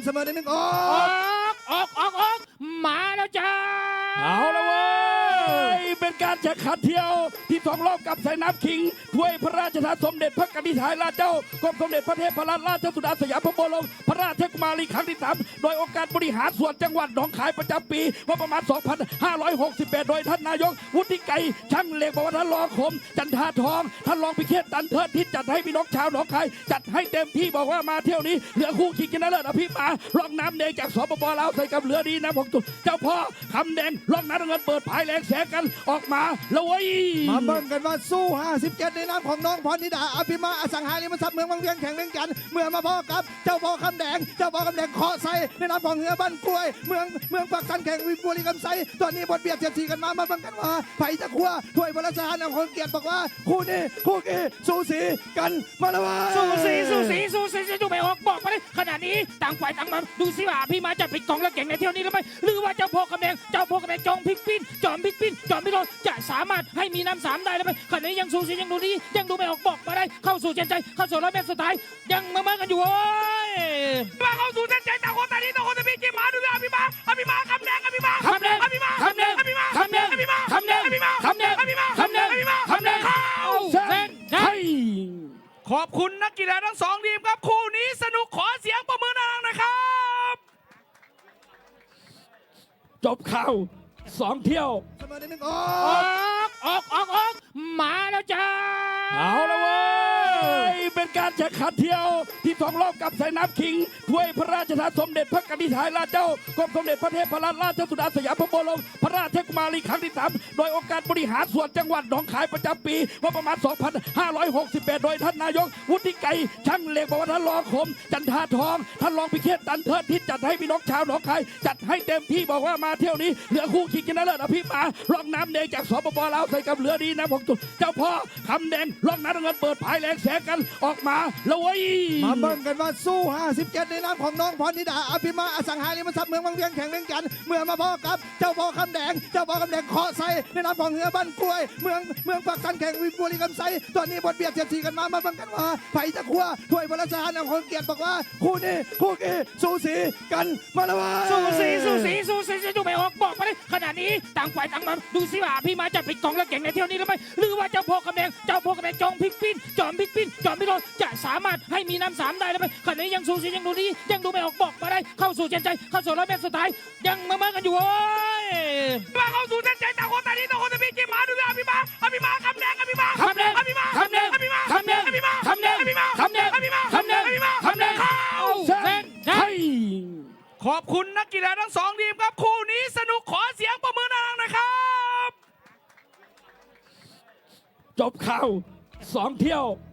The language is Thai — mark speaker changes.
Speaker 1: เสมอ1-1อ
Speaker 2: อกมาแล้วจ้า
Speaker 3: เอาละเว้ยเป็นการแข่งขันเที่ยวที่สองรอบกับสายน้ำคิงถ้วยพระราชทานสมเด็จพระกนิษฐาธิราชเจ้ากรมสมเด็จพระเทพรัตนราชสุดาสยามบรมพระราชกุมารีครั้งที่3โดยองค์การบริหารส่วนจังหวัดหนองคายประจำปีงบประมาณ 2568 โดยท่านนายกวุฒิไกรช่างเหล็กบอกว่าท่านรองคมจันทาทองท่านรองพิเชษตันเทิดทิศจัดให้พี่น้องชาวหนองคายจัดให้เต็มที่บอกว่ามาเที่ยวนี้เหลือคู่ชิงชนะเลิศอภิมหาร่องน้ำแดงจากสปป.ลาวใส่กับเรือดีนะผมเจ้าพ่อคำแดงร่องน้ำเงินเปิดภายแรงแสงกันออกมาแล้วเว้ย
Speaker 1: มาเบิ่งกันว่าสู้57ในนามของน้องพรนิดาอภิมาอสังหาริมทรัพย์เมืองบางเวียงแข่งเล่นกันเมื่อมาพ่อกับเจ้าพ่อคำแดงเคาะใส่ในนามของเหือบ้านกล้วยเมืองปักสันแข่งวิบุรีกำไซตอนนี้บทเบียดเสียดสีกันมาเบิ่งกันว่าไผ่จะคว้าถ้วยพระราชทานของคนเกียรติบอกว่าคู่นี้สูสีกันมาแล้วว่า
Speaker 2: สูสีดูไม่ออกบอกมาเลยขณะนี้ต่างฝ่ายต่างมาดูสิว่าพี่มาจะปิดกองแล้วเก่งในเที่ยวนี้หรือไม่หรือว่าเจ้าพ่อกำแดงจอมพลิกปิ้นจอมพลิกโดนจะสามารถให้มีน้ำ3ได้หรือไม่ขณะนี้ยังสูสียังดูดียังดูไม่ออกบอกมาได้เข้าสู่เส้นใจเข้าสู่100 เมตรสุดท้ายยังมากันอยู่โอ้ย
Speaker 4: มาเข้าสู่เส้นใจต่างคนต่างนี้ต่างคนต่างมีกี่หมาดูอภิมาคำแดงเข้า
Speaker 2: เส้นใจ
Speaker 4: ขอบคุณนักกีฬาทั้ง2ทีมครับคู่นี้สนุกขอเสียงประมือดังๆนะครับ
Speaker 3: จบข่าว2เที่ยว
Speaker 1: เสมอ1-1
Speaker 2: ออกมาแล้วจ้า
Speaker 3: เอาละเว้ยเป็นการแข่งขันเที่ยวที่สองรอบกับสายน้ำคิงถ้วยพระราชทานสมเด็จพระกนิษฐาธิราชเจ้ากรมสมเด็จพระเทพรัตนราชสุดาสยามบรมพระราชกุมารีครั้งที่3โดยองค์การบริหารส่วนจังหวัดหนองคายประจำปีงบประมาณ 2568 โดยท่านนายกวุฒิไกรช่างเหล็กบอกว่าท่านรองคมจันทาทองท่านรองพิเชษตันเทิดทิศจัดให้พี่น้องชาวหนองคายจัดให้เต็มที่บอกว่ามาเที่ยวนี้เหลือคู่ชิงชนะเลิศอภิมหาร่องน้ำแดงจากสปป.ลาวใส่กับเรือดีนะผมเจ้าพ่อคำแดงร่องน้ำเงินเปิดภายแรงแสงกันออกมาแล้วเว้ย
Speaker 1: มาเบิ่งกันว่าสู้57ในนามของน้องพรนิดาอภิมาอสังหาริมทรัพย์เมืองบางเวียงแข่งเล่นกันเมื่อมาพ่อกับเจ้าพ่อคำแดงเคาะใส่ในนามของเหือบ้านกล้วยเมืองปักสันแข่งวิบุรีกำไซตอนนี้บทเบียดเสียดสีกันมาเบิ่งกันว่าไผ่จะคว้าถ้วยพระราชทานของคนเกียรติบอกว่าคู่นี้สูสีกันมาแล้วว่า
Speaker 2: สูสีดูไม่ออกบอกมาเลยขณะนี้ต่างฝ่ายต่างมาดูสิว่าพี่มาจะปิดกองแล้วเก่งในเที่ยวนี้หรือไม่หรือว่าเจ้าพ่อกำแดงจอมพลิกปิ้นจอมพลิกโดนจะสามารถให้มีน้ำ3ได้หรือไม่ขณะนี้ยังสูสียังดูดียังดูไม่ออกบอกมาได้เข้าสู่เส้นใจเข้าสู่100 เมตรสุดท้ายยังมากันอยู่โอ้ย
Speaker 4: มาเข้าสู่เส้นใจต่างคนต่างนี้ต่างคนต่างมีกี่หมาดูอภิมาคำแดงเข้า
Speaker 2: เส้นใจ
Speaker 4: ขอบคุณนักกีฬาทั้ง2ทีมครับคู่นี้สนุกขอเสียงประมือดังๆนะครับ
Speaker 3: จบข่าว2เที่ยว